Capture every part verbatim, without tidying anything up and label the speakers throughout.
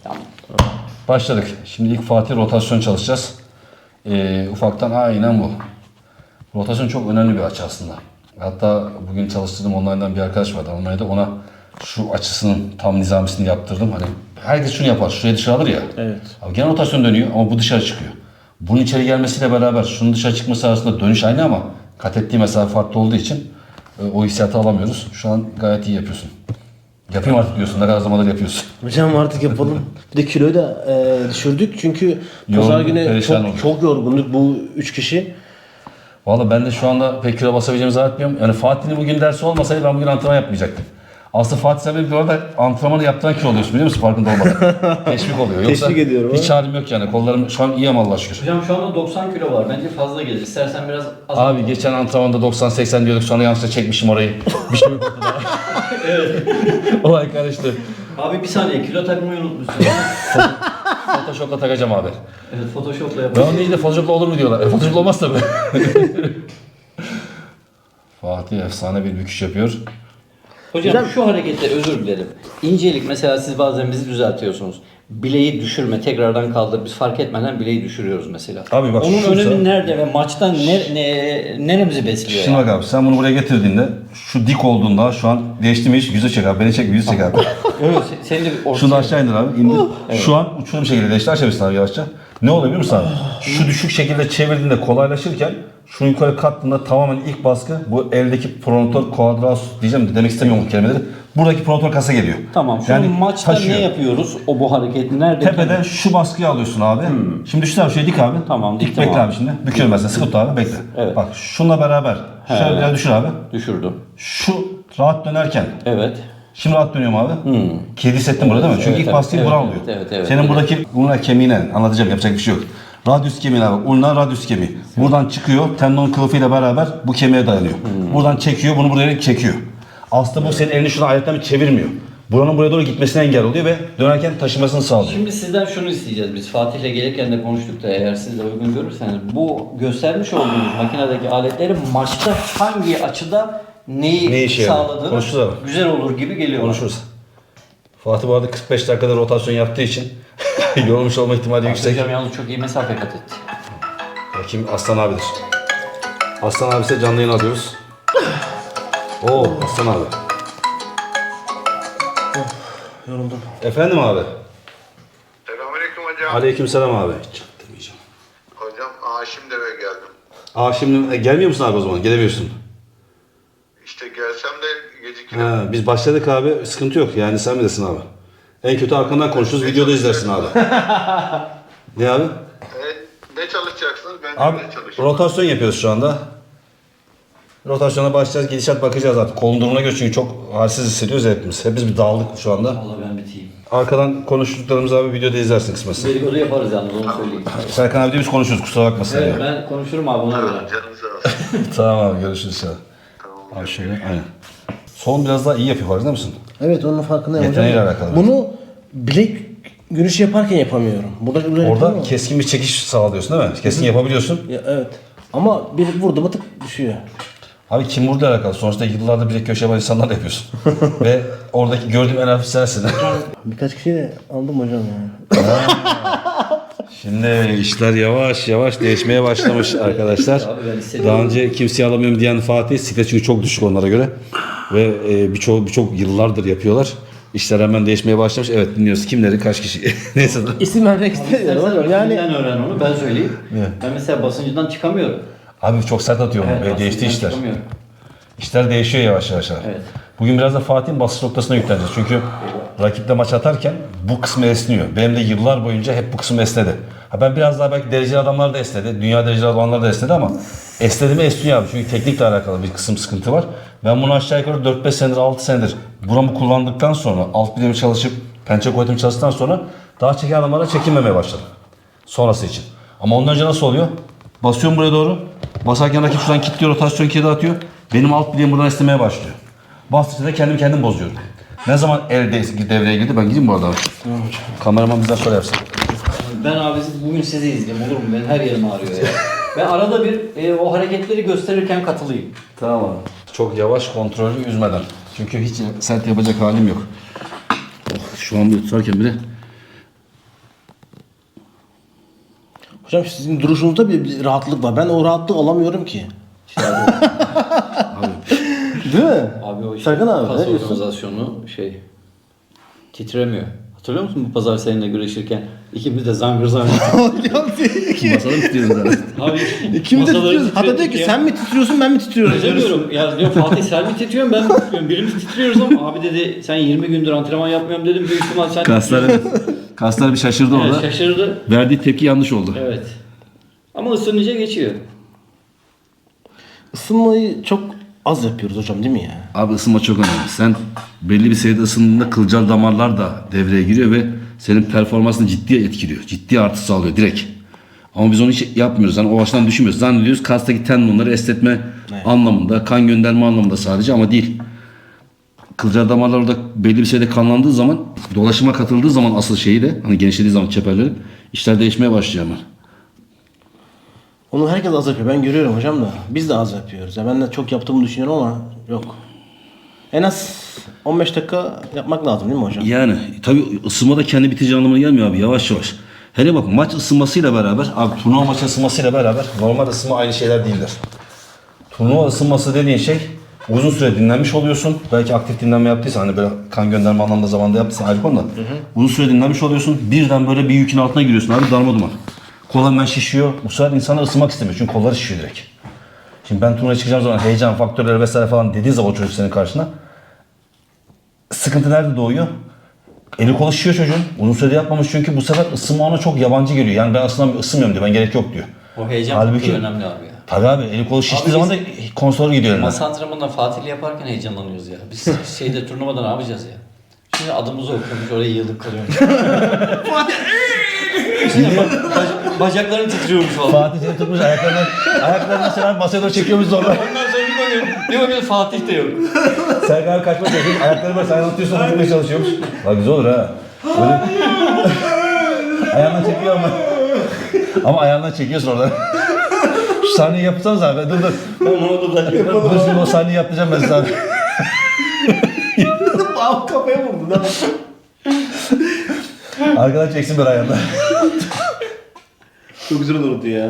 Speaker 1: Tamam.
Speaker 2: Başladık. Şimdi ilk Fatih rotasyon çalışacağız. Ee, ufaktan aynen bu. Rotasyon çok önemli bir açı aslında. Hatta bugün çalıştırdığım online'dan bir arkadaş vardı Almanya'da. Ona şu açısının tam nizamisini yaptırdım. Hani herkes şunu yapar. Şuraya dışarı alır ya.
Speaker 3: Evet.
Speaker 2: Abi gene rotasyon dönüyor ama bu dışarı çıkıyor. Bunun içeri gelmesiyle beraber şunun dışarı çıkması arasında dönüş aynı ama kat ettiği mesafe farklı olduğu için e, o hissiyatı alamıyoruz. Şu an gayet iyi yapıyorsun. Yapayım artık diyorsun. Ne kadar zamandır yapıyorsun.
Speaker 3: Hocam artık yapalım. Bir de kiloyu da e, düşürdük çünkü pazar
Speaker 2: Yorgun,
Speaker 3: günü
Speaker 2: perişan
Speaker 3: çok,
Speaker 2: olduk.
Speaker 3: çok yorgunduk bu üç kişi.
Speaker 2: Valla ben de şu anda pek kilo basabileceğimi zannetmiyorum. Yani Fatih'in bugün dersi olmasaydı ben bugün antrenman yapmayacaktım. Aslında Fatih sen benim orada antrenmanı yaptıran kilo oluyorsun biliyor musun farkında olmadan. Teşvik oluyor. Yoksa
Speaker 3: Teşvik ediyorum
Speaker 2: hiç halim yok yani. Kollarım şu an iyi ama Allah'a şükür.
Speaker 1: Hocam şu anda doksan kilo var. Bence fazla gelir. İstersen biraz az.
Speaker 2: Abi geçen antrenmanda doksan seksen diyorduk sonra yanlışlıkla çekmişim orayı. Bir şey yok ortada. Evet. Olay karıştı.
Speaker 1: Abi bir saniye kilo takmayı unutmuşsun.
Speaker 2: Photoshop'la takacağım abi.
Speaker 1: Evet Photoshop'la
Speaker 2: Ben
Speaker 1: yapacağım.
Speaker 2: onu değil de Photoshop'la olur mu diyorlar. E, Photoshop'la olmaz tabii. Fatih efsane bir büküş yapıyor.
Speaker 1: Hocam,
Speaker 3: Hocam-
Speaker 1: şu harekette özür dilerim. İncelik mesela siz bazen bizi düzeltiyorsunuz. Bileği düşürme, tekrardan kaldır. Biz fark etmeden bileği düşürüyoruz mesela.
Speaker 2: Abi bak
Speaker 1: onun
Speaker 2: şuysa-
Speaker 1: önemi nerede ve maçta ne, ne, neremizi besliyor?
Speaker 2: Şimdi
Speaker 1: yani?
Speaker 2: bak abi sen bunu buraya getirdiğinde şu dik olduğunda şu an değişti mi hiç yüzü çek abi. Beni çek yüzü çek abi.
Speaker 1: Evet, se- senin de bir ortaya...
Speaker 2: Şunu da aşağı indir abi. İndir. Şu an uçurum bir şekilde değişti. Aşağı abi yavaşça. Ne oluyor biliyor musun abi? Şu düşük şekilde çevirdiğinde kolaylaşırken şunu yukarı kattığında tamamen ilk baskı bu eldeki pronator quadratus diyeceğim de demek istemiyorum bu kelimeleri. Buradaki pronator kasa geliyor.
Speaker 1: Tamam. Şu
Speaker 2: Yani
Speaker 1: maçta
Speaker 2: taşıyor.
Speaker 1: ne yapıyoruz? O bu hareketi nerede?
Speaker 2: Tepeden şu baskıyı alıyorsun abi. Şimdi düşün abi şöyle dik abi.
Speaker 1: Tamam,
Speaker 2: Dik
Speaker 1: diktim
Speaker 2: bekle
Speaker 1: abi.
Speaker 2: abi şimdi. Büküyorum ben seni. Sıkı tut abi bekle.
Speaker 1: Evet.
Speaker 2: Bak şununla beraber. Şöyle biraz düşür abi.
Speaker 1: Düşürdüm.
Speaker 2: Şu rahat dönerken.
Speaker 1: Evet.
Speaker 2: Şimdi rahat dönüyorum abi. Kedi hissettim burada değil mi? Çünkü
Speaker 1: Evet,
Speaker 2: ilk
Speaker 1: evet,
Speaker 2: baskıyı
Speaker 1: evet,
Speaker 2: bura
Speaker 1: evet,
Speaker 2: alıyor.
Speaker 1: evet, evet,
Speaker 2: Senin
Speaker 1: evet.
Speaker 2: buradaki ulna kemiğine anlatacağım yapacak bir şey yok. Radius kemiğine bak. Ulna radius kemiği. Buradan çıkıyor. Tendon kılıfıyla beraber bu kemiğe dayanıyor. Buradan çekiyor. Bunu buraya çekiyor. Aslında bu senin elini şuna ayetten çevirmiyor. Buranın buraya doğru gitmesine engel oluyor ve dönerken taşımasını sağlıyor.
Speaker 1: Şimdi sizden şunu isteyeceğiz biz. Fatih'le gelirken de konuştuk da eğer siz de uygun görürseniz bu göstermiş olduğunuz makinedeki aletlerin maçta hangi açıda neyi
Speaker 2: Ne işe yarıyor?
Speaker 1: sağladığını
Speaker 2: Konuşuruz abi.
Speaker 1: güzel olur gibi geliyor. bana.
Speaker 2: Konuşuruz. Fatih bu arada kırk beş dakikada rotasyon yaptığı için yorulmuş olma ihtimali yüksek.
Speaker 1: Hocam yalnız çok iyi mesafe kat etti.
Speaker 2: Kim? Aslan abidir. Aslan abi ise canlı yayın alıyoruz. Oo Aslan abi.
Speaker 3: Yoruldum.
Speaker 2: Efendim abi.
Speaker 4: Selamünaleyküm hocam.
Speaker 2: Aleykümselam abi. Çaktırmayacağım.
Speaker 4: Hocam Haşim Deve geldim.
Speaker 2: Aa şimdi e, gelmiyor musun abi o zaman? Gelemiyorsun.
Speaker 4: İşte gelsem de gecikirim.
Speaker 2: Ha, biz başladık abi. Sıkıntı yok. Yani sen bilirsin abi. En kötü arkandan konuşuruz. Videoda izlersin abi. Ne abi?
Speaker 4: E, ne çalışacaksınız? Ben de
Speaker 2: Abi
Speaker 4: ne çalışacağım.
Speaker 2: rotasyon yapıyoruz şu anda. Rotasyona başlayacağız. Gidişat bakacağız artık. Kolun durumuna göre çünkü çok halsiz hissediyoruz hepimiz. Hepimiz bir dağıldık şu anda.
Speaker 1: Vallahi ben biteyim.
Speaker 2: Arkadan konuştuklarımızı abi videoda izlersin kısmetse.
Speaker 1: Dedikodu yaparız yalnız onu söyleyeyim.
Speaker 2: Serkan abi de biz konuşuyoruz kusura bakmasın
Speaker 1: Evet
Speaker 2: ya.
Speaker 1: ben konuşurum abi ona göre.
Speaker 4: Canınız sağ olsun.
Speaker 2: Tamam abi görüşürüz ya.
Speaker 4: Tamam.
Speaker 2: Abi şöyle aynen. Son biraz daha iyi yapıyor farkında mısın?
Speaker 3: Evet onun farkındayım
Speaker 2: Yeteneğiyle
Speaker 3: hocam.
Speaker 2: alakalı.
Speaker 3: Bunu bilek güreşi yaparken yapamıyorum. Burada böyle
Speaker 2: Orada
Speaker 3: yapamıyorum.
Speaker 2: keskin bir çekiş sağlıyorsun değil mi? Keskin yapabiliyorsun.
Speaker 3: Ya, evet. Ama bir vurdu mu tık düşüyor.
Speaker 2: Abi kim vurdu alakalı. Sonuçta yıllardır bilek köşe yapan insanlar da yapıyorsun. Ve oradaki gördüğüm en hafif sensin.
Speaker 3: Birkaç kişiyi de aldım hocam yani.
Speaker 2: Şimdi işler yavaş yavaş değişmeye başlamış arkadaşlar.
Speaker 1: Abi ben hissediyorum.
Speaker 2: Daha önce kimseyi alamıyorum diyen Fatih, siklet çünkü çok düşük onlara göre. Ve e, birçok birçok yıllardır yapıyorlar. İşler hemen değişmeye başlamış. Evet dinliyoruz. Kimleri, kaç kişi? Neyse.
Speaker 3: İsim vermek istemiyorum
Speaker 1: İstersen
Speaker 3: hocam. Yani
Speaker 1: yani öğren onu ben söyleyeyim. Ben mesela basıncıdan çıkamıyorum.
Speaker 2: Abi çok sert atıyorum.
Speaker 1: Evet,
Speaker 2: Ve değişti
Speaker 1: basıncıdan
Speaker 2: işler.
Speaker 1: çıkamıyorum.
Speaker 2: İşler değişiyor yavaş yavaş. abi.
Speaker 1: Evet.
Speaker 2: Bugün biraz da Fatih'in basış noktasına yükleneceğiz. Çünkü rakiple maç atarken bu kısmı esniyor. Benim de yıllar boyunca hep bu kısım esnedi. Ha ben biraz daha belki dereceli adamlar da esnedi. Dünya dereceli adamlar da esnedi ama esnedi mi esniyor abi. Çünkü teknikle alakalı bir kısım sıkıntı var. Ben bunu aşağı yukarı dört beş senedir, altı senedir buramı kullandıktan sonra, alt bilemi çalışıp pençe kuvvetimi çalıştıktan sonra daha çeken adamlara çekinmemeye başladım. Sonrası için. Ama ondan önce nasıl oluyor? Basıyorum buraya doğru. Basarken rakip şuradan kilitliyor, rotasyon kilidi atıyor. Benim alt bileğim buradan esnemeye başlıyor. Bastıkça da kendim kendim bozuyorum. Ne zaman el de- devreye girdi? Ben gideyim bu arada. Kameraman bizden sonra yapsın.
Speaker 1: Ben abi bugün sizi izleyeyim olur mu? Benim her yerim ağrıyor ya. Ben arada bir e, o hareketleri gösterirken katılayım.
Speaker 2: Tamam abi. Çok yavaş, kontrollü, üzmeden. Çünkü hiç sert yapacak halim yok. Oh, şu an bir tutarken bile
Speaker 3: Hocam sizin duruşunuzda bir, bir rahatlık var. Ben o rahatlığı alamıyorum ki. Değil mi?
Speaker 1: Abi o işte
Speaker 3: Serkan abi,
Speaker 1: kas
Speaker 3: ne diyorsun?
Speaker 1: organizasyonu şey titremiyor. Hatırlıyor musun bu pazar seninle güreşirken ikimiz de zangır zangır.
Speaker 3: Hocam iki,
Speaker 2: Masada mı tutuyoruz zaten?
Speaker 1: Abi
Speaker 3: ikimiz de
Speaker 1: masaları
Speaker 3: titriyoruz. Hatta diyor
Speaker 1: titrettik
Speaker 3: ki
Speaker 1: ya.
Speaker 3: sen mi titriyorsun ben mi titriyorum?
Speaker 1: Öyle diyorum. Ya diyor Fatih sen mi titriyorsun ben mi titriyorum? Birimiz titriyoruz ama abi dedi sen yirmi gündür antrenman yapmıyorum dedim. Büyük ihtimal sen
Speaker 2: Kaslar, kaslar bir şaşırdı
Speaker 1: Evet,
Speaker 2: orada.
Speaker 1: şaşırdı.
Speaker 2: Verdiği tepki yanlış oldu.
Speaker 1: Evet. Ama ısınınca geçiyor.
Speaker 3: Isınmayı çok az yapıyoruz hocam değil mi ya?
Speaker 2: Abi ısınma çok önemli. Sen belli bir seviyede ısındığında kılcal damarlar da devreye giriyor ve senin performansını ciddi etkiliyor. Ciddi artı sağlıyor direkt. Ama biz onu hiç yapmıyoruz. Yani o açıdan düşünmüyoruz. Zannediyoruz kastaki tendonları esnetme
Speaker 3: Evet.
Speaker 2: anlamında, kan gönderme anlamında sadece ama değil. Kılcal damarlar orada belli bir seviyede kanlandığı zaman, dolaşıma katıldığı zaman asıl şeyi de, hani genişlediği zaman çeperleri, işler değişmeye başlıyor hemen.
Speaker 3: Onu herkes az yapıyor. Ben görüyorum hocam da. Biz de az yapıyoruz. Ya ben de çok yaptığımı düşünüyorum ama yok. En az on beş dakika yapmak lazım değil mi hocam?
Speaker 2: Yani tabii ısınma da kendi biteceği anlamına gelmiyor abi, yavaş yavaş. Hele bak maç ısınmasıyla beraber, abi turnuva maçı ısınmasıyla beraber normal ısınma aynı şeyler değildir. Turnuva ısınması dediğin şey uzun süre dinlenmiş oluyorsun. Belki aktif dinlenme yaptıysan hani böyle kan gönderme anlamında zamanda yaptıysan ayrı konu da. Uzun süre dinlenmiş oluyorsun. Birden böyle bir yükün altına giriyorsun abi, darma duman. Kol hemen şişiyor. Bu sefer insanlar ısınmak istemiyor çünkü kolları şişiyor direkt. Şimdi ben turnuvaya çıkacağım zaman heyecan faktörleri vesaire falan dediği zaman o çocuk senin karşına. Sıkıntı nerede doğuyor? Eli kolu şişiyor çocuğun. Uzun sürede yapmamış çünkü bu sefer ısınma ona çok yabancı geliyor. Yani ben aslında ısınmıyorum diyor. Ben gerek yok diyor.
Speaker 1: O heyecan
Speaker 2: Halbuki-
Speaker 1: faktörü önemli abi ya.
Speaker 2: Tabii abi eli kolu şiştiği
Speaker 1: Abi
Speaker 2: zaman da
Speaker 1: biz-
Speaker 2: konsoru gidiyor eline.
Speaker 1: Masa antrenmanında Fatih'le yaparken heyecanlanıyoruz ya. Biz şeyde turnuvada ne yapacağız ya? Şimdi adımızı okuyormuş oraya yığılıp kalıyormuş. Şimdi ba- bac- bacakların titriyormuş falan.
Speaker 2: Fatih seni tutmuş ayaklarına, ayaklarına selam masaya doğru çekiyormuş zorla.
Speaker 1: Ondan sonra bir bakıyorum. Bir bakıyorum Fatih de yok.
Speaker 2: Serkan abi kaçmak çalışıyor. Ayakları böyle sayılı tutuyorsun tutmaya çalışıyormuş. Bak güzel olur ha. Böyle... ayağından çekiyor ama. Ama ayağından çekiyorsun oradan. Şu sahneyi yapsanız abi. Dur dur.
Speaker 1: Ben ona dublaj yaparım.
Speaker 2: Dur şimdi o sahneyi yapacağım ben size abi.
Speaker 3: Abi kafaya vurdu lan.
Speaker 2: Arkadan çeksin bir ayağından.
Speaker 3: Çok güzel olurdu ya.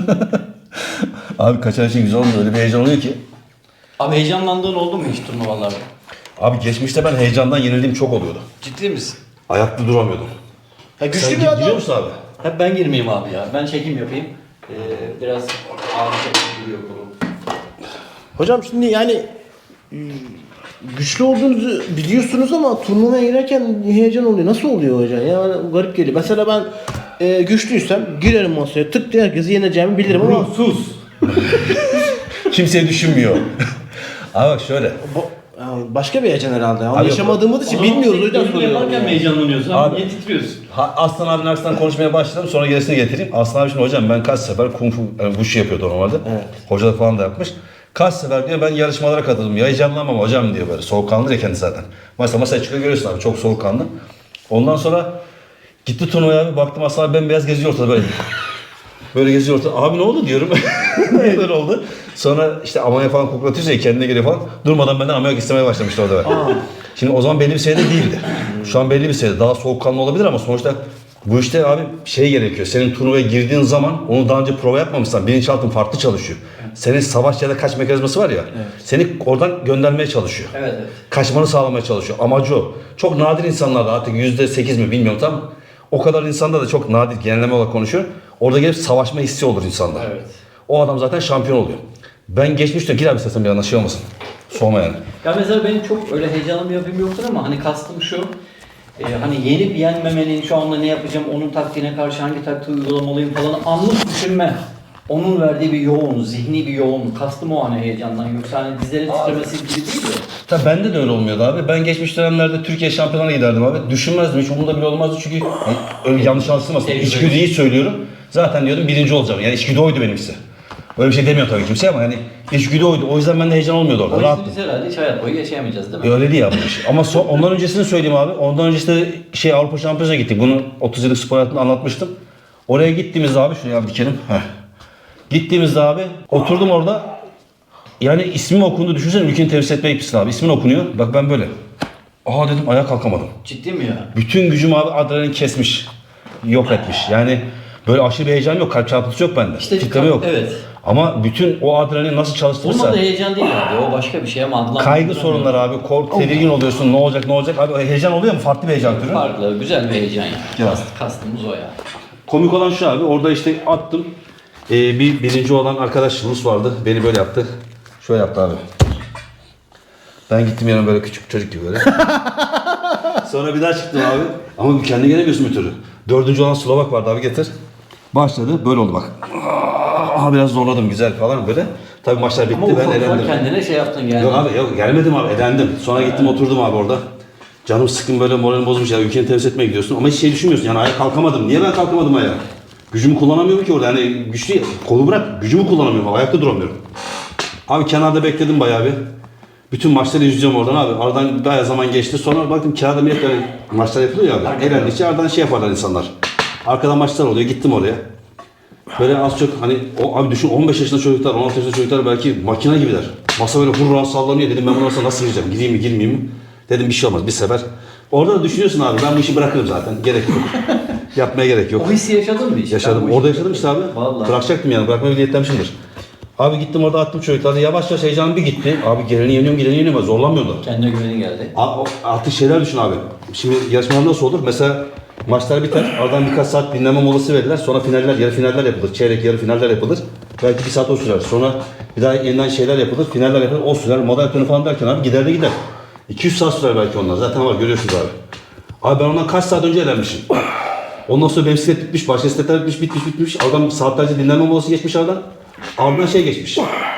Speaker 2: Abi kaçan için güzel olmuyor. Öyle bir heyecan oluyor ki.
Speaker 1: Abi heyecanlandığın oldu mu hiç turnuvalarda?
Speaker 2: Abi geçmişte ben heyecandan yenildiğim çok oluyordu.
Speaker 1: Ciddi misin?
Speaker 2: Ayakta duramıyordum.
Speaker 3: Ya güçlü
Speaker 2: Sen
Speaker 3: bir
Speaker 2: biliyor
Speaker 3: adam.
Speaker 2: musun abi?
Speaker 1: Hep ben girmeyeyim abi ya. Ben çekim yapayım. Ee, biraz ağrı giriyor kolum.
Speaker 3: Hocam şimdi yani e, güçlü olduğunuzu biliyorsunuz ama turnuvaya girerken heyecan oluyor. Nasıl oluyor hocam? Yani garip geliyor. Mesela ben e, güçlüysem girerim masaya tık diye herkesi yeneceğimi bilirim ama
Speaker 1: Sus.
Speaker 2: Kimseye düşünmüyor. Abi bak şöyle.
Speaker 3: bu- yani başka bir heyecan herhalde. Yani
Speaker 2: Abi yok.
Speaker 3: yaşamadığımız için bilmiyoruz o yüzden soruyorum.
Speaker 1: Yaparken mi
Speaker 3: Yani.
Speaker 1: heyecanlanıyorsun?
Speaker 2: Abi-
Speaker 1: Abi niye titriyorsun?
Speaker 2: Ha, Aslan abinin arkasından konuşmaya başladım. Sonra gerisini getireyim. Aslan abi şimdi hocam ben kaç sefer kung fu, yani wushu yapıyordu normalde.
Speaker 3: Evet.
Speaker 2: Hoca da falan da yapmış. Kaç sefer diyor ben yarışmalara katıldım. Ya heyecanlanmam hocam diyor böyle. Soğukkanlı ya kendisi zaten. Mesela masaya çıkıyor görüyorsun abi çok soğukkanlı. Ondan sonra gitti turnuvaya abi baktım Aslan abi bembeyaz geziyor ortada böyle. Böyle geziyor ortada. Abi ne oldu diyorum. Niye böyle oldu? Sonra işte amaya falan koklatıyorsa ya kendine geliyor falan. Durmadan benden ameliyat istemeye başlamıştı orada. Şimdi o zaman belli bir seviyede değildi. Şu an belli bir seviyede. Daha soğukkanlı olabilir ama sonuçta bu işte abi şey gerekiyor. Senin turnuvaya girdiğin zaman onu daha önce prova yapmamışsan bilinçaltın farklı çalışıyor. Senin savaş ya da kaç mekanizması var ya. Seni oradan göndermeye çalışıyor.
Speaker 1: Evet evet.
Speaker 2: Kaçmanı sağlamaya çalışıyor. Amacı o. Çok nadir insanlarda artık yüzde sekiz mi bilmiyorum tam. O kadar insanda da çok nadir genelleme olarak konuşuyor. Orada gelip savaşma hissi olur insanda.
Speaker 1: Evet.
Speaker 2: O adam zaten şampiyon oluyor. Ben geçmişte gir abi istersen bir anda şey olmasın. Soğuma yani.
Speaker 1: Ya mesela benim çok öyle heyecanlı bir yapım yoktur ama hani kastım şu. e, hani yenip yenmemenin şu anda ne yapacağım, onun taktiğine karşı hangi taktiği uygulamalıyım falan anlık düşünme. Onun verdiği bir yoğun, zihni bir yoğun. Kastım o hani heyecandan. Yoksa hani dizlerin titremesi gibi değil de.
Speaker 2: Tabii bende de öyle olmuyordu abi. Ben geçmiş dönemlerde Türkiye şampiyonlarına giderdim abi. Düşünmezdim hiç umurumda bile olmazdı çünkü yani öyle yanlış anlaşılmasın.
Speaker 1: Tecrübe.
Speaker 2: İçgüdüyü söylüyorum. Zaten diyordum birinci olacağım. Yani içgüdü oydu benimkisi. Öyle bir şey demiyor tabii kimse ama yani içgüdü oydu. O yüzden bende heyecan olmuyordu orada.
Speaker 1: O
Speaker 2: Rahattım.
Speaker 1: yüzden biz herhalde hiç hayat boyu yaşayamayacağız değil mi?
Speaker 2: E öyle değil ya bu iş. Ama son, ondan öncesini söyleyeyim abi. Ondan öncesinde şey Avrupa Şampiyonası'na gittik. Bunu otuz yıllık spor hayatında anlatmıştım. Oraya gittiğimizde abi şuraya abi dikelim. Heh. Gittiğimizde abi oturdum orada. Yani ismim okundu. Düşünsene ülkeni temsil etmeye gitmişsin abi. İsmin okunuyor. Bak ben böyle. Aa dedim ayağa kalkamadım.
Speaker 1: Ciddi mi ya?
Speaker 2: Bütün gücüm abi adrenalin kesmiş. Yok etmiş. Yani Böyle aşırı bir heyecan yok. Kalp çarpıntısı yok bende.
Speaker 1: İşte
Speaker 2: Titreme yok.
Speaker 1: evet.
Speaker 2: Ama bütün o adrenalin nasıl çalıştırırsa.
Speaker 1: Bunun da heyecan değil abi. O başka bir şey ama adlandırılmıyor.
Speaker 2: Kaygı sorunları abi. Korku, tedirgin oluyorsun. Ne olacak ne olacak. Abi heyecan oluyor mu? Farklı bir heyecan türü.
Speaker 1: Farklı, güzel bir heyecan yani.
Speaker 2: Ya.
Speaker 1: Kast, kastımız o yani.
Speaker 2: Komik olan şu abi. Orada işte attım. Ee, bir birinci olan arkadaş Rus vardı. Beni böyle yaptı. Şöyle yaptı abi. Ben gittim yanıma böyle küçük çocuk gibi böyle. Sonra bir daha çıktım abi. Ama kendi gelemiyorsun bir türlü. Dördüncü olan Slovak vardı abi getir. Başladı böyle oldu bak. Aha biraz zorladım güzel falan böyle. Tabii maçlar bitti
Speaker 1: Ama
Speaker 2: ben
Speaker 1: ufak ufak
Speaker 2: elendim.
Speaker 1: kendine şey yaptın yani.
Speaker 2: Yok abi yok gelmedim abi elendim. Sonra gittim oturdum abi orada. Canım sıkkın böyle moralim bozmuş ya ülkeni temsil etmeye gidiyorsun ama hiç şey düşünmüyorsun yani ayağa kalkamadım. Niye ben kalkamadım ayağa? Gücümü kullanamıyorum ki orada yani güçlü kolu bırak gücümü kullanamıyorum ayakta duramıyorum. Abi kenarda bekledim bayağı bir. Bütün maçları izleyeceğim oradan abi. Aradan bayağı zaman geçti. Sonra baktım kağıda millet böyle maçlar yapılıyor ya abi. Elendikçe aradan şey yaparlar insanlar. Arkadan maçlar oluyor. Gittim oraya. Böyle az çok hani o abi düşün on beş yaşında çocuklar, on altı yaşında çocuklar belki makine gibiler. Masa böyle hurra sallanıyor. Dedim ben bu masa nasıl gireceğim? Gireyim mi girmeyeyim mi? Dedim bir şey olmaz bir sefer. Orada da düşünüyorsun abi ben bu işi bırakırım zaten. Gerek yok. Yapmaya gerek yok.
Speaker 1: O hissi yaşadın mı hiç?
Speaker 2: Yaşadım.
Speaker 1: Ben bu
Speaker 2: Orada
Speaker 1: işi-
Speaker 2: yaşadım işte abi.
Speaker 1: Vallahi.
Speaker 2: Bırakacaktım yani. Bırakmaya niyetlenmişimdir. Abi gittim orada attım çocukları. Yavaş yavaş heyecanım bir gitti. Abi geleni yeniyorum, geleni yeniyorum. Zorlanmıyorlar.
Speaker 1: Kendine güvenin geldi.
Speaker 2: A- o- Artık şeyler düşün abi. Şimdi yarışmalar nasıl olur? Mesela maçlar biter. Aradan birkaç saat dinlenme molası verirler. Sonra finaller, yarı finaller yapılır. Çeyrek, yarı finaller yapılır. Belki bir saat o sürer. Sonra bir daha yeniden şeyler yapılır. Finaller yapılır. O sürer. Moderatörü falan derken abi gider de gider. iki yüz saat sürer belki onlar. Zaten var görüyorsunuz abi. Abi ben ondan kaç saat önce elenmişim. Ondan sonra benim bisiklet bitmiş, başka bisikletler bitmiş, bitmiş, bitmiş. Adam saatlerce dinlenme molası geçmiş aradan. Ardından şey geçmiş.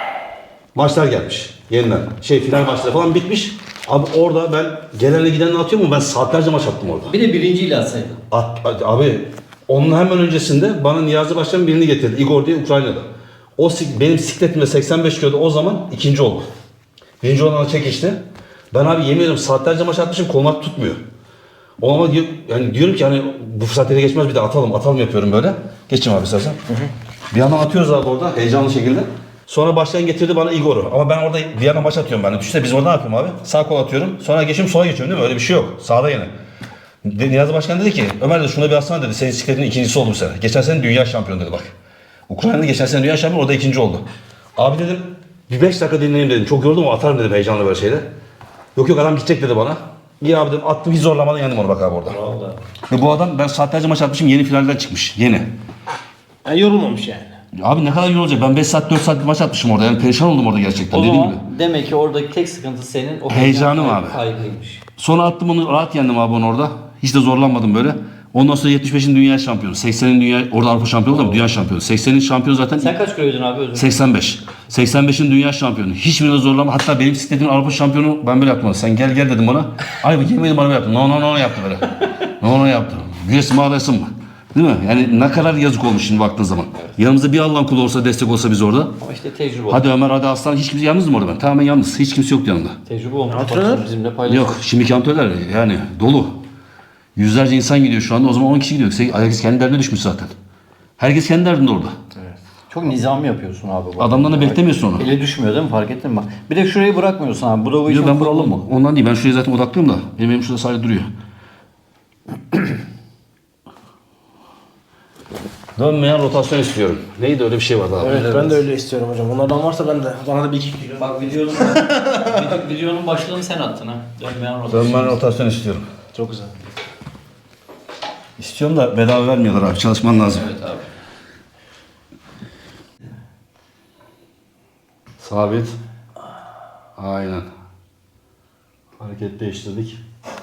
Speaker 2: Maçlar gelmiş. Yeniden. Şey final maçları falan bitmiş. Abi orada ben gelenle gidenle atıyorum ama ben saatlerce maç attım orada.
Speaker 1: Bir de birinciyle atsaydın.
Speaker 2: At, at- abi onun hemen öncesinde bana Niyazi Başkan birini getirdi. Igor diye Ukrayna'da. O sik- benim sikletimde seksen beş kiloda o zaman ikinci oldu. Birinci olana çekişti. Ben abi yemin ediyorum saatlerce maç atmışım kolum tutmuyor. O ama diyor, yani diyorum ki hani bu fırsat ele geçmez bir de atalım atalım yapıyorum böyle. Geçeyim abi istersen. Bir yandan atıyoruz abi orada heyecanlı şekilde. Sonra başlayan getirdi bana Igor'u. Ama ben orada bir yana maç atıyorum ben. Düşünsene biz orada ne yapıyorum abi? Sağ kol atıyorum. Sonra geçiyorum sola geçiyorum değil mi? Öyle bir şey yok. Sağda yine. De, Niyazi Başkan dedi ki Ömer de şuna bir atsana dedi. Senin sikletin ikincisi oldu bu sene. Geçen sene dünya şampiyonu dedi bak. Ukrayna'da geçen sene dünya şampiyonu orada ikinci oldu. Abi dedim bir beş dakika dinleyeyim dedim. Çok yoruldum ama atarım dedim heyecanlı böyle şeyde. Yok yok adam gidecek dedi bana. İyi abi dedim attım hiç zorlamadan yendim onu bak abi orada.
Speaker 1: Vallahi.
Speaker 2: Ve bu adam ben saatlerce maç atmışım yeni finalden çıkmış. Yeni.
Speaker 3: Yani yorulmamış yani.
Speaker 2: Abi ne kadar iyi olacak. Ben beş saat dört saat bir maç atmışım orada. Yani perişan oldum orada gerçekten.
Speaker 1: O
Speaker 2: Dediğim
Speaker 1: zaman
Speaker 2: gibi.
Speaker 1: demek ki oradaki tek sıkıntı senin o
Speaker 2: Heyecanım
Speaker 1: heyecan
Speaker 2: abi.
Speaker 1: kaygıymış.
Speaker 2: Sonra attım onu rahat yendim abi onu orada. Hiç de zorlanmadım böyle. Ondan sonra yetmiş beşin dünya şampiyonu. seksenin dünya orada Avrupa şampiyonu da mı? Dünya şampiyonu. seksenin şampiyonu zaten
Speaker 1: Sen kaç kiloydun abi özür dilerim?
Speaker 2: seksen beş. seksen beşin dünya şampiyonu. Hiçbirine zorlama. Hatta benim bisikletimin Avrupa şampiyonu ben böyle yaptım. Sen gel gel dedim bana. Ay bu yemeğini bana böyle yaptı. No no no yaptı böyle. No no yaptı. Güreşim ağrısın mı? Değil mi? Yani ne kadar yazık olmuş şimdi baktığın zaman. Yanımızda bir Allah'ın kulu olsa destek olsa biz orada.
Speaker 1: Ama işte tecrübe
Speaker 2: Hadi Ömer hadi Aslan hiç kimse yalnızdım orada ben. Tamamen yalnız. Hiç kimse yoktu yanımda.
Speaker 1: Tecrübe olmuş.
Speaker 3: Antrenör?
Speaker 1: Bak, bizimle paylaşıyor.
Speaker 2: Yok şimdiki antrenörler yani dolu. Yüzlerce insan gidiyor şu anda. O zaman on kişi gidiyor. Herkes kendi derdine düşmüş zaten. Herkes kendi derdinde orada.
Speaker 1: Çok nizam yapıyorsun abi. bu.
Speaker 2: Adamdan da beklemiyorsun onu.
Speaker 1: Ele düşmüyor değil mi? Fark ettin mi? Bak. Bir de şurayı bırakmıyorsun abi. Bu da bu işin
Speaker 2: Yok ben
Speaker 1: kuralı
Speaker 2: buralı
Speaker 1: mı?
Speaker 2: mı? Ondan değil. Ben şuraya zaten odaklıyım da. Benim elim şurada sadece duruyor. Dönmeyen rotasyon istiyorum. Neydi öyle bir şey vardı abi.
Speaker 3: Evet, ben de öyle istiyorum hocam. Onlardan varsa ben de bana da bir iki kilo.
Speaker 1: Bak videonun, video- videonun başlığını sen attın ha. Dönmeyen rotasyon.
Speaker 2: Dönmeyen rotasyon istiyorum.
Speaker 3: Çok güzel.
Speaker 2: İstiyorum da bedava vermiyorlar abi. Çalışman lazım.
Speaker 1: Evet abi.
Speaker 2: Sabit. Aynen. Hareket değiştirdik.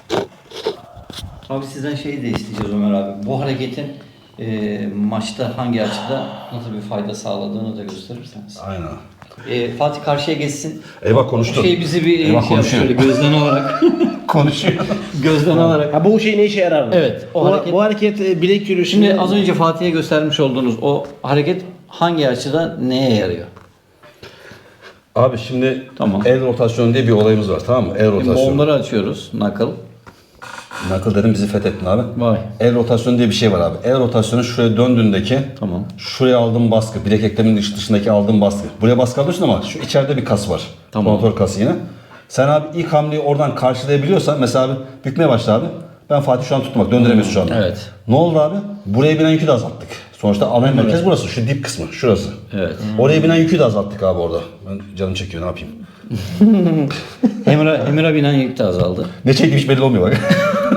Speaker 1: Abi sizden şeyi de isteyeceğiz Ömer abi. Bu hareketin e, maçta hangi açıda nasıl bir fayda sağladığını da gösterirseniz.
Speaker 2: Aynen.
Speaker 1: E, Fatih karşıya geçsin.
Speaker 2: Eyvah konuştu.
Speaker 1: Bu şey bizi bir
Speaker 2: Eyvah
Speaker 1: şey yap,
Speaker 2: konuşuyor.
Speaker 1: şöyle gözden alarak.
Speaker 2: Konuşuyor.
Speaker 1: gözden alarak.
Speaker 3: Ha bu şey ne işe yarar mı?
Speaker 1: Evet, o
Speaker 3: O bu,
Speaker 1: hareket-
Speaker 3: bu hareket e, bilek yürüyüşünde...
Speaker 1: Şimdi az önce Fatih'e göstermiş olduğunuz o hareket hangi açıda neye yarıyor?
Speaker 2: Abi şimdi
Speaker 1: Tamam.
Speaker 2: el rotasyonu diye bir olayımız var tamam mı? El
Speaker 1: Şimdi
Speaker 2: rotasyonu.
Speaker 1: onları açıyoruz. Knuckle.
Speaker 2: Knuckle dedim bizi fethettin abi.
Speaker 1: Vay.
Speaker 2: El rotasyonu diye bir şey var abi. El rotasyonu şuraya döndüğündeki
Speaker 1: Tamam.
Speaker 2: şuraya aldığım baskı, bilek ekleminin dış dışındaki aldığım baskı. Buraya baskı alıyorsun ama şu içeride bir kas var.
Speaker 1: Tamam.
Speaker 2: Kontor kası yine. Sen abi ilk hamleyi oradan karşılayabiliyorsan mesela abi bükmeye başla abi. Ben Fatih şu an tuttum bak döndüremiyorsun şu anda.
Speaker 1: Evet.
Speaker 2: Ne oldu abi? Buraya binen yükü de azalttık. Sonuçta ana merkez burası. Şu dip kısmı. Şurası.
Speaker 1: Evet.
Speaker 2: Oraya binen yükü de azalttık abi orada. Ben canım çekiyor ne yapayım.
Speaker 1: Emre, Emre binen yük de azaldı.
Speaker 2: Ne çekmiş belli olmuyor bak.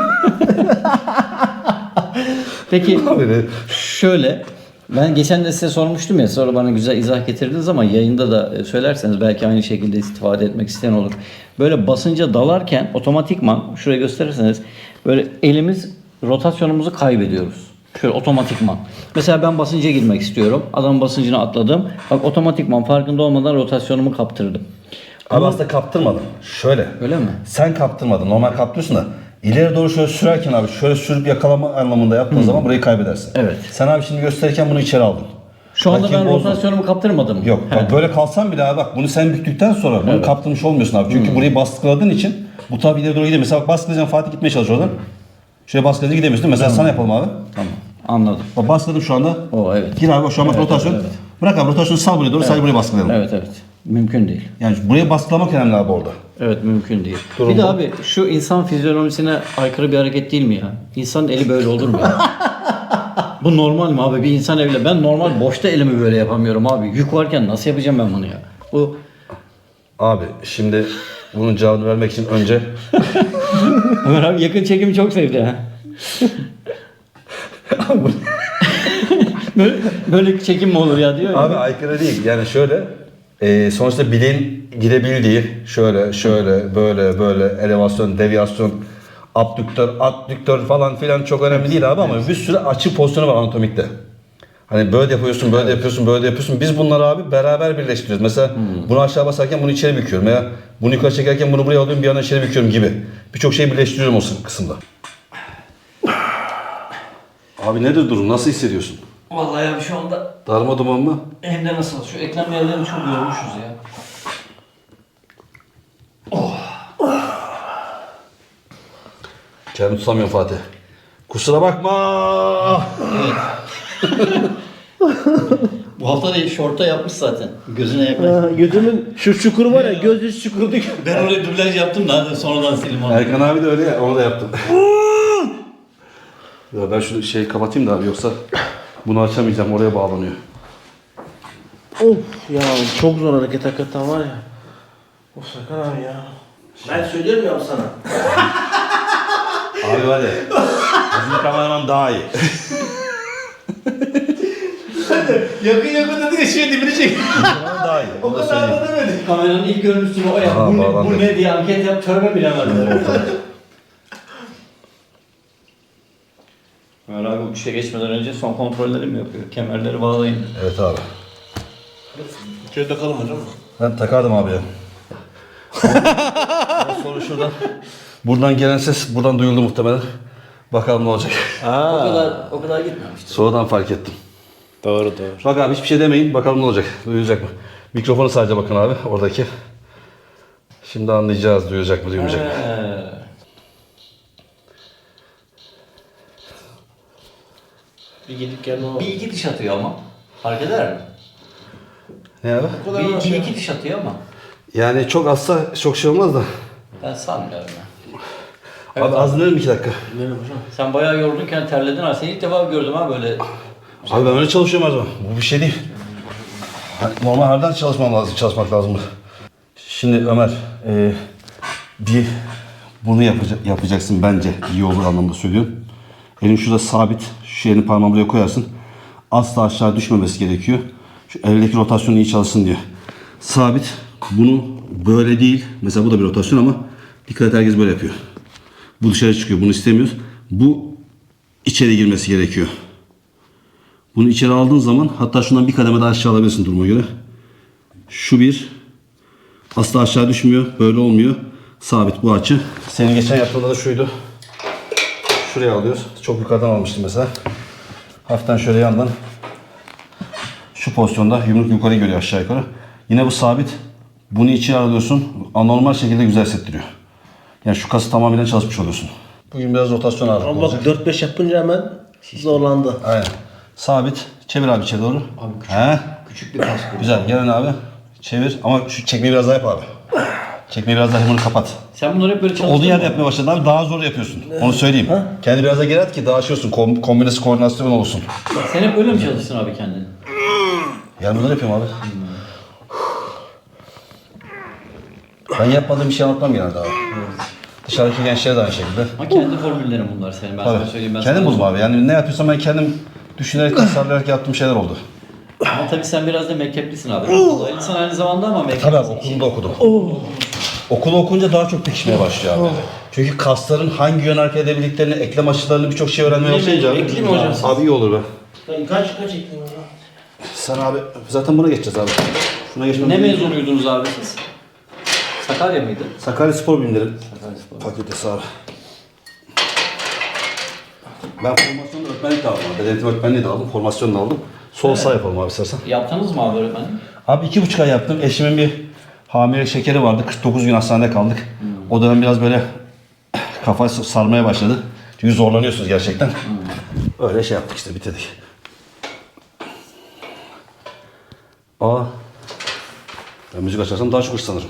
Speaker 1: Peki
Speaker 2: Abi ne?
Speaker 1: şöyle, ben geçen de size sormuştum ya, sonra bana güzel izah getirdiniz ama yayında da söylerseniz belki aynı şekilde istifade etmek isteyen olur. Böyle basınca dalarken otomatikman, şuraya gösterirseniz, böyle elimiz, rotasyonumuzu kaybediyoruz. Şöyle otomatikman. Mesela ben basınca girmek istiyorum. Adamın basıncını atladım. Bak otomatikman farkında olmadan rotasyonumu kaptırdım.
Speaker 2: Abi aslında kaptırmadın. Şöyle.
Speaker 1: Öyle mi?
Speaker 2: Sen kaptırmadın. Normal kaptırıyorsun da ileri doğru şöyle sürerken abi şöyle sürüp yakalama anlamında yaptığın zaman burayı kaybedersin.
Speaker 1: Evet.
Speaker 2: Sen abi şimdi gösterirken bunu içeri aldın.
Speaker 1: Şu anda
Speaker 2: Rakibi
Speaker 1: ben
Speaker 2: bozdun.
Speaker 1: rotasyonumu kaptırmadım.
Speaker 2: Yok bak böyle kalsan bile abi bak bunu sen büktükten sonra bunu kaptırmış olmuyorsun abi. Çünkü burayı baskıladığın için bu tabi ileri doğru gidiyor. Mesela bak baskılayacaksın, Fatih gitmeye çalışıyor oradan. Şöyle baskılayınca gidemiyorsun değil mi? Mesela sana yapalım abi.
Speaker 1: Tamam. Anladım.
Speaker 2: Bak baskıladım şu anda.
Speaker 1: O evet.
Speaker 2: Gir abi şu an bak
Speaker 1: Evet,
Speaker 2: rotasyon.
Speaker 1: evet, evet.
Speaker 2: Bırak abi rotasyonu sal buraya doğru sadece buraya baskılayalım.
Speaker 1: Evet evet. Mümkün değil.
Speaker 2: Yani buraya baskılamak önemli abi orada.
Speaker 1: Evet mümkün değil.
Speaker 2: Durum
Speaker 1: bir de
Speaker 2: bu.
Speaker 1: abi şu insan fizyonomisine aykırı bir hareket değil mi ya? İnsanın eli böyle olur mu ya? Bu normal mi abi? Bir insan eliyle. Ben normal boşta elimi böyle yapamıyorum abi. Yük varken nasıl yapacağım ben bunu ya? Bu
Speaker 2: Abi şimdi bunun cevabını vermek için önce
Speaker 1: Ömer abi yakın çekimi çok sevdi ha. böyle, böyle çekim mi olur ya diyor ya.
Speaker 2: abi aykırı değil. Yani şöyle e, sonuçta bileğin gidebildiği şöyle şöyle böyle böyle elevasyon, deviyasyon, abdüktör, adduktör falan filan çok önemli değil abi ama bir sürü açı pozisyonu var anatomikte. Hani böyle de yapıyorsun, böyle de yapıyorsun, böyle de yapıyorsun. Biz bunları abi beraber birleştiriyoruz. Mesela bunu aşağı basarken bunu içeri büküyorum veya bunu yukarı çekerken bunu buraya alıyorum bir yana içeri büküyorum gibi. Birçok şeyi birleştiriyorum o kısımda. Abi nedir durum? Nasıl hissediyorsun?
Speaker 1: Vallahi abi şu anda
Speaker 2: Darma duman mı?
Speaker 1: hem de nasıl? Şu eklem yerlerini çok yormuşuz ya.
Speaker 2: Kendimi tutamıyorum Fatih. Kusura bakma.
Speaker 1: Bu hafta değil, şorta yapmış zaten. Gözüne yaklaş.
Speaker 3: Ha, gözümün şu çukuru var ya, göz üst çukuru değil.
Speaker 1: Ben oraya dublaj yaptım da hadi sonradan sildim onu.
Speaker 2: Erkan abi de öyle ya, onu da yaptım. Ya ben şunu şey kapatayım da abi yoksa bunu açamayacağım, oraya bağlanıyor.
Speaker 3: Of ya çok zor hareket hakikaten var ya. Of Sakar abi ya. Ben söylüyorum ya sana.
Speaker 2: Abi var ya, bizim kameraman daha iyi.
Speaker 3: Yakın yakın dedi ya şey dibini çek.
Speaker 2: Kameraman daha iyi.
Speaker 3: O kadar da demedi.
Speaker 1: Kameranın ilk görüntüsü o ya.
Speaker 2: Aha,
Speaker 1: Bu, ne,
Speaker 2: bağlandı.
Speaker 1: bu ne diye anket yap, törme bilemediler. Ömer abi bu işe geçmeden önce son kontrolleri mi yapıyor? Kemerleri bağlayın.
Speaker 2: Evet abi.
Speaker 3: Şöyle takalım hocam.
Speaker 2: Ben takardım abi ya. Sonra şuradan. Buradan gelen ses buradan duyuldu muhtemelen. Bakalım ne olacak.
Speaker 1: O kadar o kadar gitmemişti.
Speaker 2: Sonradan fark ettim.
Speaker 3: Doğru doğru.
Speaker 2: Bak abi hiçbir şey demeyin. Bakalım ne olacak. Duyulacak mı? Mikrofonu sadece bakın abi oradaki. Şimdi anlayacağız duyulacak mı duyulmayacak mı.
Speaker 1: Ee,
Speaker 3: Bir gidip gelme o.
Speaker 1: bir iki diş atıyor ama. Fark eder mi?
Speaker 2: Ne abi?
Speaker 1: Bir, bir iki diş atıyor ama.
Speaker 2: Yani çok azsa çok şey olmaz da.
Speaker 1: Ben sanmıyorum ya.
Speaker 2: Abi az dinlerim iki dakika.
Speaker 3: Gidelim hocam.
Speaker 1: Sen bayağı yorgunken terledin ha. Seni ilk defa gördüm ha böyle.
Speaker 2: Abi ben öyle çalışıyorum her zaman. Bu bir şey değil. Yani normal harbiden çalışmam lazım, çalışmak lazım. Şimdi Ömer, e, bir bunu yapacak, yapacaksın bence iyi olur anlamda söylüyorum. Elin şurada sabit, şu elini parmağını buraya koyarsın. Asla aşağı düşmemesi gerekiyor. Şu eldeki rotasyon iyi çalışsın diye. Sabit, bunu böyle değil. Mesela bu da bir rotasyon ama dikkat et herkes böyle yapıyor. Bu dışarı çıkıyor, bunu istemiyoruz. Bu içeri girmesi gerekiyor. Bunu içeri aldığın zaman hatta şundan bir kademe daha aşağı alabilirsin duruma göre. Şu bir. Asla aşağı düşmüyor. Böyle olmuyor. Sabit bu açı. Senin geçen yaptığında da şuydu. Şuraya alıyoruz. Çok yukarıdan almıştım mesela. Hafiften şöyle yandan. Şu pozisyonda yumruk yukarı görüyor aşağı yukarı. Yine bu sabit. Bunu içeri alıyorsun. Anormal şekilde güzel hissettiriyor. Yani şu kası tamamen çalışmış oluyorsun. Bugün biraz rotasyon ağırlıklı
Speaker 3: Ama
Speaker 2: olacak.
Speaker 3: bak dört beş yapınca hemen zorlandı.
Speaker 2: Aynen. Sabit. Çevir abi içeri doğru.
Speaker 1: Abi küçük,
Speaker 2: He?
Speaker 1: küçük bir kas bu.
Speaker 2: Güzel. Gel abi. Çevir. Ama şu çekmeyi biraz daha yap abi. Çekmeyi biraz daha bunu kapat.
Speaker 1: Sen bunları hep böyle çalıştın
Speaker 2: Olduğu
Speaker 1: mı?
Speaker 2: yerde yapmaya başladın abi daha zor yapıyorsun. Onu söyleyeyim. Kendi biraz da geri at ki daha şey olsun. Kom kombinası koordinasyon olsun.
Speaker 1: Sen hep öyle mi çalıştın abi kendini?
Speaker 2: Yani bunları yapıyorum abi. Ben yapmadığım bir şey anlatmam genelde abi. Dışarıdaki gençlere de aynı şekilde.
Speaker 1: Ha kendi formüllerin bunlar senin. Ben sana
Speaker 2: Tabii.
Speaker 1: söyleyeyim. Ben
Speaker 2: Kendim
Speaker 1: sana
Speaker 2: buldum abi. Yani ne yapıyorsam ben kendim düşünerek, tasarlayarak yaptığım şeyler oldu.
Speaker 1: Ama tabii sen biraz da mekteplisin abi. Lisan aynı zamanda ama mekteplisin.
Speaker 2: Tabii abi okulda okudum. Okulu okunca daha çok pekişmeye başlıyor abi. Çünkü kasların hangi yön hareket edebildiklerini, eklem açılarını birçok şey öğrenmeye başlayınca abi.
Speaker 3: Ekleyeyim mi hocam?
Speaker 2: Abi iyi olur be.
Speaker 3: Ben kaç kaç ekleyeyim hocam?
Speaker 2: Sen abi zaten buna geçeceğiz abi. Şuna geçmemiz
Speaker 1: Ne
Speaker 2: gerekiyor.
Speaker 1: mezunuydunuz abi siz? Sakarya mıydı?
Speaker 2: Sakarya Spor Bilimleri
Speaker 1: Sakarya Spor.
Speaker 2: Fakültesi abi. Ben formasyonda öğretmenlik de aldım abi. Denetim öğretmenliği de aldım, formasyon da aldım. Sol sağ yapalım abi istersen.
Speaker 1: Yaptınız mı abi öğretmenim?
Speaker 2: Abi iki buçuk ay yaptım. Eşimin bir hamile şekeri vardı. kırk dokuz gün hastanede kaldık. O dönem biraz böyle kafa sarmaya başladı. Çünkü zorlanıyorsunuz gerçekten. Öyle şey yaptık işte bitirdik. Aa. Ben müzik açarsam daha çok hırslanırım.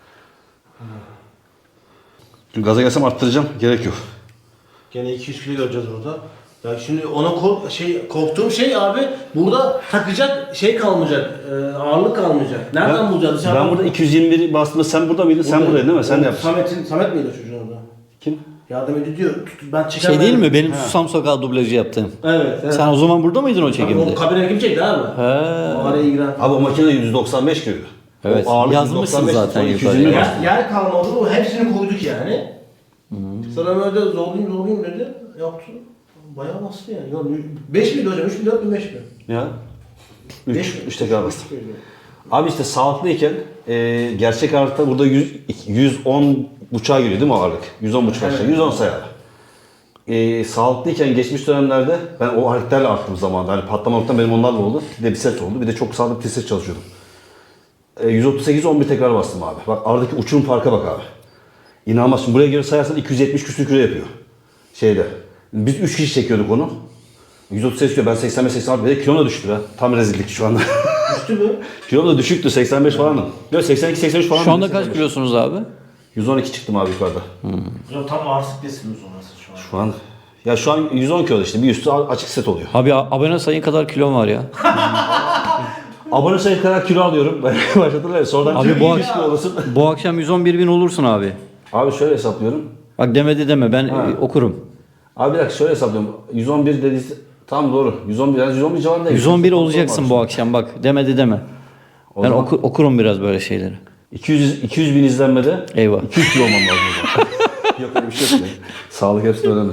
Speaker 2: Çünkü gaza gelsem arttıracağım. Gerek yok.
Speaker 3: Gene iki yüz kilo göreceğiz burada. Ya şimdi ona kork şey korktuğum şey abi burada takacak şey kalmayacak. E, ağırlık kalmayacak. Nereden
Speaker 2: Ben-
Speaker 3: bulacağız? Dışarıdan
Speaker 2: Ben burada iki yüz yirmi bir bastığımda sen burada mıydın? Sen
Speaker 3: Buradayım.
Speaker 2: buradaydın değil mi? Sen de
Speaker 3: O
Speaker 2: yaptın.
Speaker 3: Samet'in Samet miydi o çocuğun orada?
Speaker 2: Kim?
Speaker 3: Yardım ediyor diyor. Tut- Ben çekemedim.
Speaker 1: Şey değil mi? Benim Susam Sokağı dublajı yaptığım.
Speaker 3: Evet. evet.
Speaker 1: Sen o zaman burada mıydın o çekimde?
Speaker 3: O kabine kim çekti abi?
Speaker 1: He.
Speaker 3: O araya giren.
Speaker 2: Abi o makine yüz doksan beş kiloydu.
Speaker 1: Evet,
Speaker 2: O ağırlık
Speaker 1: yazmışsın
Speaker 2: yüz doksan beş,
Speaker 1: zaten
Speaker 2: sonra iki yüz
Speaker 1: yukarıya.
Speaker 2: yirmi
Speaker 3: Yer, yer kalmadı. O hepsini koyduk yani. Sana öyle zorlayayım zorlayayım dedi. Yaptı. Bayağı bastı yani. yani beş miydi hocam? üç mü dört mü beş mi?
Speaker 2: Ya.
Speaker 3: Beş
Speaker 2: üç,
Speaker 3: mi?
Speaker 2: üç tekrar bastım.
Speaker 3: Üç miydi?
Speaker 2: Abi işte sağlıklıyken e, gerçek ağırlıkta burada yüz, yüz on buçuğa giriyor değil mi o ağırlık? yüz on buçuk aşağı.
Speaker 3: Evet.
Speaker 2: yüz on sayar. E, sağlıklıyken geçmiş dönemlerde ben o hareketlerle arttım zamanında. Hani patlama noktam benim onlarla oldu. Bir de biceps oldu. Bir de çok sağlıklı triceps çalışıyordum. E, yüz otuz sekiz on bir tekrar bastım abi. Bak aradaki uçurum farka bak abi. İnanılmaz. Şimdi buraya göre sayarsan iki yüz yetmiş küsür kilo yapıyor. Şeyde. Biz üç kişi çekiyorduk onu. yüz otuz sekiz kilo. Ben seksen beş seksen altı. Bir de kilom da düştü be. Tam rezillik şu anda.
Speaker 3: Düştü mü?
Speaker 2: Kilom da düşüktü. seksen beş falanım. Yok seksen iki seksen üç falan.
Speaker 1: Şu anda kaç kilosunuz abi?
Speaker 2: yüz on iki çıktım abi yukarıda.
Speaker 3: Hocam tam ağırsızlıktasınız orası şu an.
Speaker 2: Şu an. Ya şu an yüz on kilo işte. Bir üstü açık set oluyor.
Speaker 1: Abi abone sayın kadar kilom var ya.
Speaker 2: Abone sayı kadar kilo alıyorum. Başlatırlar ya. Sonradan
Speaker 1: Abi
Speaker 2: kilo
Speaker 1: bu
Speaker 2: yüz
Speaker 1: akşam-
Speaker 2: kilo olasın.
Speaker 1: Bu akşam yüz on bir bin olursun abi.
Speaker 2: Abi şöyle hesaplıyorum.
Speaker 1: Bak demedi deme ben
Speaker 2: Ha.
Speaker 1: e, okurum.
Speaker 2: Abi bir dakika şöyle hesaplıyorum. yüz on bir dediğiniz tam doğru. yüz on bir yani yüz on bir civarında.
Speaker 1: yüz on bir olacaksın bu akşam bak demedi deme.
Speaker 2: O
Speaker 1: Ben
Speaker 2: zaman-
Speaker 1: oku- okurum biraz böyle şeyleri.
Speaker 2: iki yüz iki yüz bin izlenmede
Speaker 1: Eyvah.
Speaker 2: iki yüz kilo olmam lazım o zaman. Yok öyle bir şey yok. Sağlık hepsi önemli.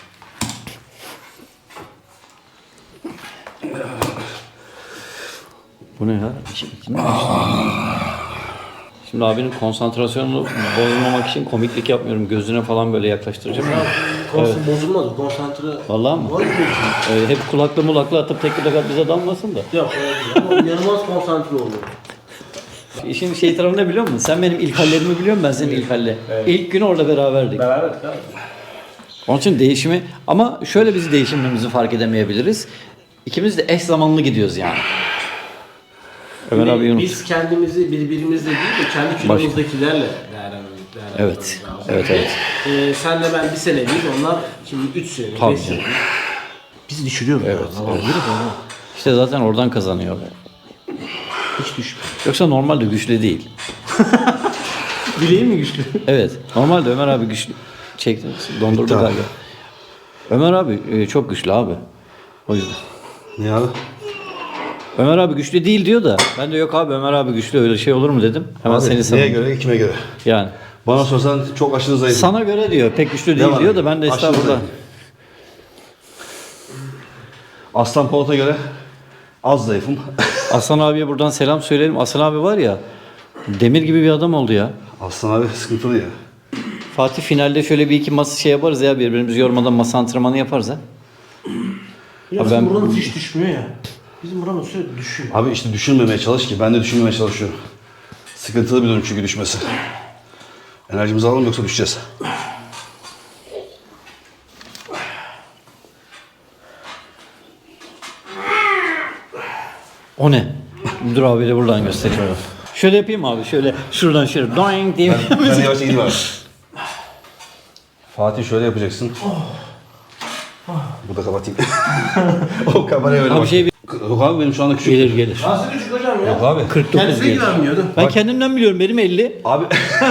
Speaker 1: Bu ne ya? İki- iki mi açtın? Şimdi abinin konsantrasyonunu bozmamak için komiklik yapmıyorum. Gözüne falan böyle yaklaştıracağım.
Speaker 3: Konsantre bozulmaz o konsantre.
Speaker 1: Vallahi mı?
Speaker 3: Var mı?
Speaker 1: Ee, hep kulaklı mulaklı atıp tek bir dekat bize dalmasın da.
Speaker 3: Yok öyle değil. Ama inanılmaz konsantre oluyor.
Speaker 1: İşin şey tarafı ne biliyor musun? Sen benim ilk hallerimi biliyor musun? Ben senin ilk halle. İlk gün orada beraberdik.
Speaker 3: Beraber abi.
Speaker 1: Onun için değişimi ama şöyle biz değişimimizi fark edemeyebiliriz. İkimiz de eş zamanlı gidiyoruz yani. Ömer abi unut.
Speaker 3: Biz kendimizi birbirimizle değil de kendi kilomuzdakilerle değerlendirmemiz
Speaker 1: Evet.
Speaker 3: lazım.
Speaker 1: Evet evet.
Speaker 3: Ee, senle ben bir seneyiz, onlar şimdi üç senelik,
Speaker 1: Tabii
Speaker 3: beş
Speaker 1: canım.
Speaker 3: senelik. Biz düşürüyoruz. Evet. evet.
Speaker 1: İşte zaten oradan kazanıyor.
Speaker 3: Hiç düşmüyor.
Speaker 1: Yoksa normalde güçlü değil.
Speaker 3: Bileğin mi güçlü?
Speaker 1: Evet. Normalde Ömer abi güçlü. Çekti. Dondurdu
Speaker 2: Tamam.
Speaker 1: galiba. Ömer abi e, çok güçlü abi. O yüzden.
Speaker 2: Ne abi?
Speaker 1: Ömer abi güçlü değil diyor da. Ben de yok abi Ömer abi güçlü öyle şey olur mu dedim. Hemen
Speaker 2: Abi,
Speaker 1: seni
Speaker 2: neye
Speaker 1: savundum.
Speaker 2: göre, kime göre?
Speaker 1: Yani.
Speaker 2: Bana sorsan çok aşırı zayıf.
Speaker 1: Sana göre diyor. Pek güçlü değil
Speaker 2: Devam
Speaker 1: diyor
Speaker 2: edelim.
Speaker 1: da ben de
Speaker 2: Aşırı
Speaker 1: estağfurullah.
Speaker 2: zayıf. Aslan Polat'a göre az zayıfım.
Speaker 1: Aslan abiye buradan selam söyleyelim. Aslan abi var ya demir gibi bir adam oldu ya.
Speaker 2: Aslan abi sıkıntılı ya.
Speaker 1: Fatih finalde şöyle bir iki masa şey yaparız ya birbirimizi yormadan masa antrenmanı yaparız ha.
Speaker 3: Ya
Speaker 1: Abi
Speaker 3: bizim
Speaker 1: ben-
Speaker 3: buranın hiç düşmüyor ya. Bizim buranın sürekli düşüyor.
Speaker 2: Abi işte düşünmemeye çalış ki ben de düşünmemeye çalışıyorum. Sıkıntılı bir durum çünkü düşmesi. Enerjimizi alalım yoksa düşeceğiz.
Speaker 1: O ne? Dur abiyle buradan göstereyim. Şöyle yapayım abi. Şöyle şuradan şöyle doing diye.
Speaker 2: Ben, ben yavaş gideyim abi. Fatih şöyle yapacaksın. Bu da kapatayım. O kameraya öyle
Speaker 1: Abi
Speaker 2: bak.
Speaker 1: şey
Speaker 2: Yok abi benim şu anda küçük.
Speaker 1: gelir gelir.
Speaker 3: Nasıl küçük hocam ya?
Speaker 2: Yok abi.
Speaker 1: kırk dokuz
Speaker 3: Kendisi
Speaker 1: gelir.
Speaker 3: güvenmiyordu.
Speaker 1: Ben kendimden biliyorum. Benim elli.
Speaker 2: Abi.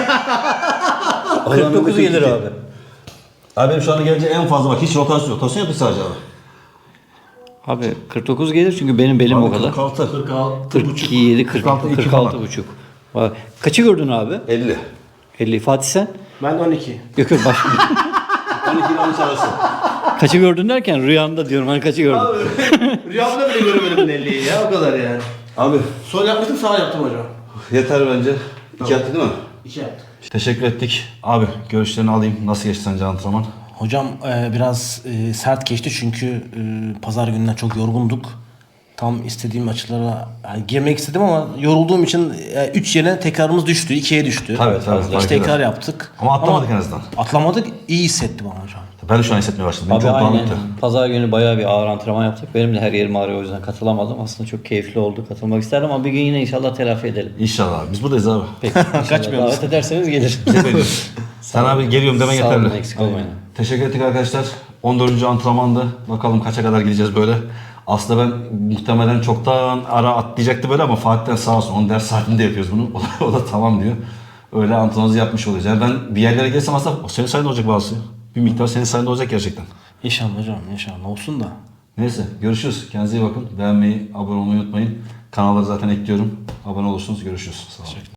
Speaker 1: kırk dokuz gelir abi.
Speaker 2: Abi benim şu anda gelince en fazla bak hiç rotasyon yok. Rotasyon yapıyor sadece abi.
Speaker 1: Abi kırk dokuz gelir çünkü benim belim
Speaker 2: Abi
Speaker 1: o kadar.
Speaker 2: kırk altı.
Speaker 3: kırk altı.
Speaker 1: kırk yedi, kırk altı,
Speaker 2: iki
Speaker 1: kırk altı
Speaker 2: falan.
Speaker 1: buçuk. Bak, kaçı gördün abi?
Speaker 2: elli.
Speaker 1: elli. Fatih sen?
Speaker 3: Ben on iki.
Speaker 1: Yok yok baş.
Speaker 2: on iki ile on üç arası.
Speaker 1: Kaçı gördün derken rüyamda diyorum hani kaçı gördün.
Speaker 3: Rüyamda bile göremedim elliyi ya o kadar yani.
Speaker 2: Abi
Speaker 3: Sol yapmıştım sağ yaptım hocam.
Speaker 2: yeter bence. İki attı değil mi?
Speaker 3: İki yaptım.
Speaker 2: Teşekkür ettik. Abi görüşlerini alayım. Nasıl geçti sence antrenman?
Speaker 3: Hocam e, biraz e, sert geçti çünkü e, pazar gününden çok yorgunduk. Tam istediğim açılara yani girmek istedim ama yorulduğum için üç yerine tekrarımız düştü. ikiye düştü.
Speaker 2: Tabii, tabii, fark
Speaker 3: İki tekrar
Speaker 2: eder.
Speaker 3: yaptık.
Speaker 2: Ama atlamadık en azından.
Speaker 3: Atlamadık. İyi hissettim ama hocam.
Speaker 2: Ben de şu an hissetmeye başladım. Benim
Speaker 1: Abi
Speaker 2: çok
Speaker 1: aynen.
Speaker 2: dağınıktı.
Speaker 1: Pazar günü bayağı bir ağır antrenman yaptık. Benim de her yerim ağrıyor o yüzden katılamadım. Aslında çok keyifli oldu. Katılmak isterdim ama bir gün yine inşallah telafi edelim.
Speaker 2: İnşallah abi. Biz buradayız abi.
Speaker 1: Peki. inşallah
Speaker 3: Kaçmıyoruz.
Speaker 1: Davet ederseniz gelir.
Speaker 2: Sen abi geliyorum demen
Speaker 1: Sağ olun,
Speaker 2: yeterli.
Speaker 1: eksik olmayın.
Speaker 2: Teşekkür ettik arkadaşlar. on dördüncü antrenmandı. Bakalım kaça kadar gideceğiz böyle. Aslında ben muhtemelen çoktan ara atlayacaktı böyle ama Fatih'ten sağ olsun. Onun ders saatinde yapıyoruz bunu. O da, o da tamam diyor. Öyle antrenmanımızı yapmış olacağız. Yani ben bir yerlere gelsem aslında o senin sayende olacak bazısı. Bir miktar senin sayende olacak gerçekten.
Speaker 3: İnşallah hocam inşallah olsun da.
Speaker 2: Neyse görüşürüz. Kendinize iyi bakın. Beğenmeyi, abone olmayı unutmayın. Kanalları zaten ekliyorum. Abone olursunuz. Görüşürüz. Sağ olun.